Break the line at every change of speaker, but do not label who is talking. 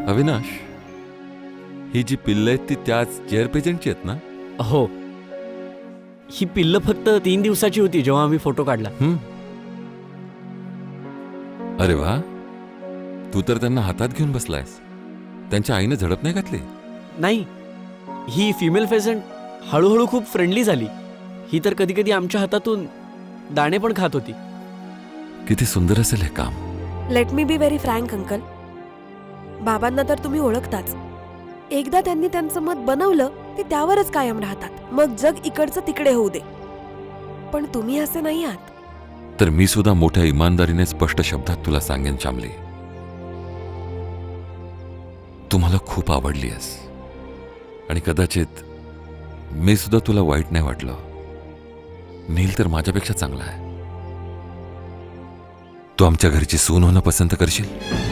अविनाश, ही जी पिल्ल आहेत ती त्याच जेअर पेजंटची आहेत ना?
हो, ही पिल्ल फक्त 3 दिवसाची होती जेव्हा आम्ही फोटो काढला.
अरे वा, तू तर त्यांना हातात घेऊन बसलायस. त्यांच्या आईने झडप नाही घातली?
नाही, ही फिमेल फेझंट हळूहळू खूप फ्रेंडली झाली. ही तर कधी कधी आमच्या हातातून दाणे पण खात होती.
किती सुंदर असेल हे काम.
Let me be very frank uncle. बाबांना तर तुम्ही ओळखताच. एकदा त्यांनी त्यांचं मत बनवलं ते त्यावरच कायम राहतात. मग जग इकडचं तिकडे होऊ दे. पण तुम्ही असे नाही आहात.
तर मी सुद्धा मोठ्या इमानदारीने स्पष्ट शब्दात तुला सांगेन चामली, तू मला खूप आवडली आहेस. आणि कदाचित मी सुद्धा तुला वाईट नाही वाटलं. नील तर माझ्यापेक्षा चांगला आहे. तू आमच्या घरची सून होणं पसंत करशील?